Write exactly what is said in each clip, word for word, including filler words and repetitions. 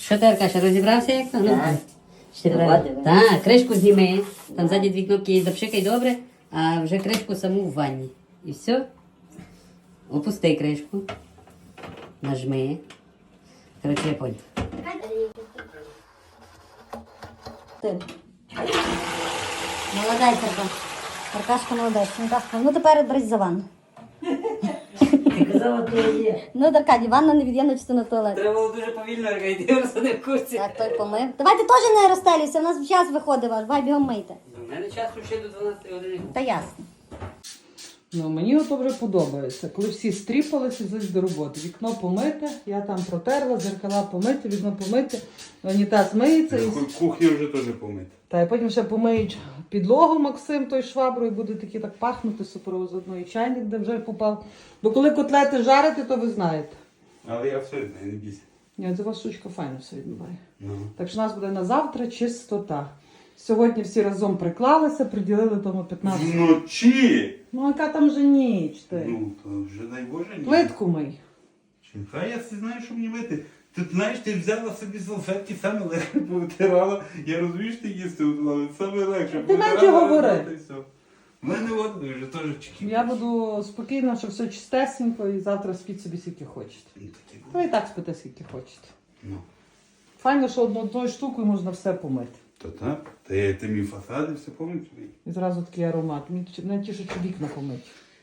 Що ти, Аркаша, розібрався як то? Так. Ще треба. Так, кришку зніми. Там ззаді дві кнопки запшикай добре, а вже кришку саму в ванні. І все. Опусти кришку. Нажми. Коротше, я понял. Ти. Молодець, Арка. Аркашка молодець. Аркашка, ну тепер берись за ванну. Ти казала, то є. Ну, Аркадій, ванна невід'ємна частина туалету. Треба було дуже повільно, Арка, йди просто не в курсі. Так, той помив. Давайте теж не розстелюйся, у нас час виходить ваш, бай бігом мийте. У мене часу ще до дванадцятої години. Та ясно. Ну, мені ото вже подобається. Коли всі стріпалися, зайшли до роботи. Вікно помите, я там протерла, зеркала помити, вікно помити, унітаз миється. І... Кухня вже теж помита. Та і потім ще помиють підлогу Максим той шваброю, буде такі так пахнути суперово з одної чайник, де вже попав. Бо коли котлети жарити, то ви знаєте. Але я все знаю, не бійся. Ні, це у вас штучка файно все відбуває. Ну. Так що у нас буде на завтра чистота. Сьогодні всі разом приклалися, приділили тому п'ятнадцять. Вночі! Ну, яка там вже ніч ти? Ну, то вже дай Боже ні. Плитку мий. Хай я все знаю, що мені мити. Ти знаєш, ти взяла собі салфетки, саме легше повитирала. Я розумію, що ти їсти готувала, саме легше. Ти менше говори. та й все. У мене от вже теж чеків. Я буду спокійно, що все чистесенько і завтра спіть собі скільки хочете. Ну, такі Ви і так спите скільки хочете. Ну. Файно, що одну одною штукою можна все помити. То так. Та я ти мій фасади все помню. І зразу такий аромат. Мені не тішить, що вікна помити.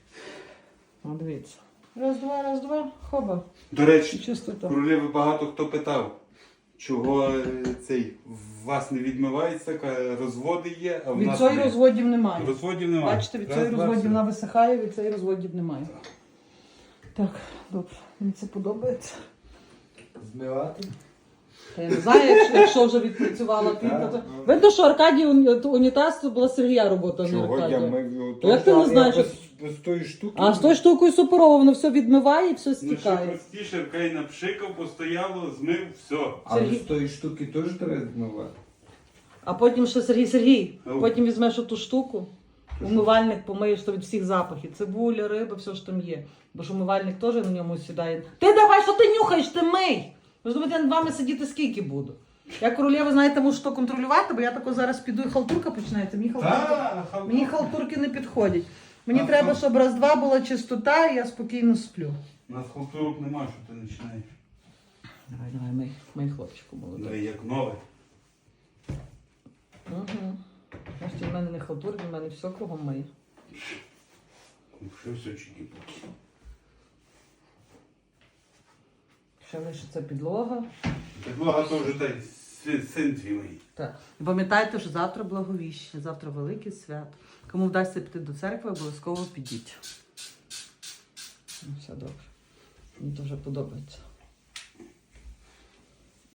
О, дивіться. Раз, два, раз, два, хоба. До речі, Чистота. королеви багато хто питав, чого е, цей в вас не відмивається, ка- розводи є, а в Від нас цієї не. розводів немає. Розводів немає. Бачите, від Раз, цієї два, розводів все. вона висихає, від цієї розводів немає. Так, добре. Мені це подобається. Змивати? Та я не знаю, якщо, якщо вже відпрацювала пінка. то- Видно, що Аркадій уні- унітаз це була Сергія робота, а не Чого я Аркадія. мив? Як ти не знаєш, без, без тої штуки? А з тою штукою суперово, воно все відмиває і все Ну що стікає. простіше, хай напшикав, постояло, змив, все. Але Сергій- з тої штуки теж треба змивати. А потім ще Сергій Сергій, Ау. потім візьмеш оту штуку, умивальник помиєш то від всіх запахів. Цибуля, риба, все що там є. Бо ж умивальник теж на ньому сідає. Ти давай, що ти нюхаєш, ти мий! Ви ж думаєте, я над вами сидіти скільки буду? Я королева, знаєте, мушу то контролювати, бо я тако зараз піду і халтурка починається. Мені халтурки, Та, халтурка. мені халтурки не підходять. Мені А, треба, а. щоб раз-два була чистота і я спокійно сплю. У нас халтурок нема, що ти починаєш. Давай, давай, мий, мий хлопчику молодий. Давай як нове. Угу. Бачите, в мене не халтурки, в мене все кругом миє. Що все чики-пуки. Ще лишиться підлога. Підлога то вже та й си- син твій мій. Так. І пам'ятайте, що завтра благовіщення, завтра велике свято. Кому вдасться піти до церкви, обов'язково підіть. Ну, все добре. Мені дуже подобається.